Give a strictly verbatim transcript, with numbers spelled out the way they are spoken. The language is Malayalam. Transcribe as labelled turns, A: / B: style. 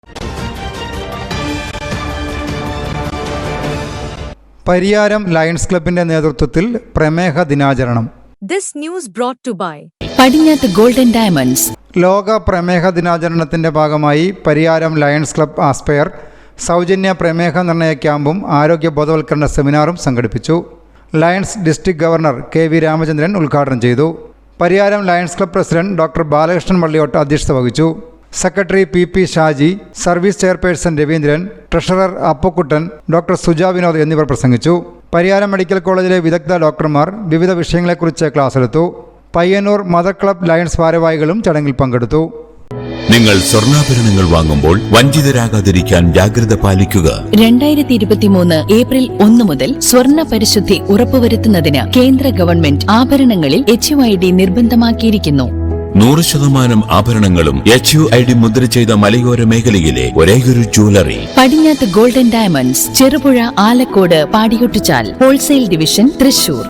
A: പരിയാരം ലയൺസ് ക്ലബിന്റെ നേതൃത്വത്തിൽ പ്രമേഹ ദിനാചരണം.
B: This news brought to by
C: Padinjath golden diamonds.
A: ലോക പ്രമേഹ ദിനാചരണത്തിന്റെ ഭാഗമായി പരിയാരം ലയൺസ് ക്ലബ് ആസ്പയർ സൗജന്യ പ്രമേഹ നിർണയ ക്യാമ്പും ആരോഗ്യ ബോധവൽക്കരണ സെമിനാറും സംഘടിപ്പിച്ചു. Lions district governor K V Ramachandran ഉദ്ഘാടനം ചെയ്തു. Pariyaram lions club president doctor Balakrishnan Valliyottu അധ്യക്ഷത വഹിച്ചു. Secretary P P Shaji, service chairperson Raveendran, treasurer Appukuttan, doctor Suja Vinod എന്നിവർ പ്രസംഗിച്ചു. പരിയാരം മെഡിക്കൽ കോളേജിലെ വിദഗ്ധ ഡോക്ടർമാർ വിവിധ വിഷയങ്ങളെക്കുറിച്ച് ക്ലാസ് എടുത്തു. പയ്യന്നൂർ മദർ ക്ലബ് ലയൺസ് ഭാരവാഹികളും ചടങ്ങിൽ പങ്കെടുത്തു.
D: നിങ്ങൾ സ്വർണ്ണാഭരണങ്ങൾ വാങ്ങുമ്പോൾ വഞ്ചിതരാകാതിരിക്കാൻ ജാഗ്രത പാലിക്കുക.
C: രണ്ടായിരത്തി ഇരുപത്തിമൂന്ന് ഏപ്രിൽ ഒന്ന് മുതൽ സ്വർണ്ണ പരിശുദ്ധി ഉറപ്പുവരുത്തുന്നതിന് കേന്ദ്ര ഗവൺമെന്റ് ആഭരണങ്ങളിൽ എച്ച് യു ഐ ഡി നിർബന്ധമാക്കിയിരിക്കുന്നു.
D: നൂറ് ശതമാനം ആഭരണങ്ങളും എച്ച് യു ഐ ഡി മുദ്ര ചെയ്ത മലയോര മേഖലയിലെ ഒരേയൊരു jewellery
C: Padinjath golden diamonds, Cherupuzha, Alakode, Padiyottuchal, wholesale division, Thrissur.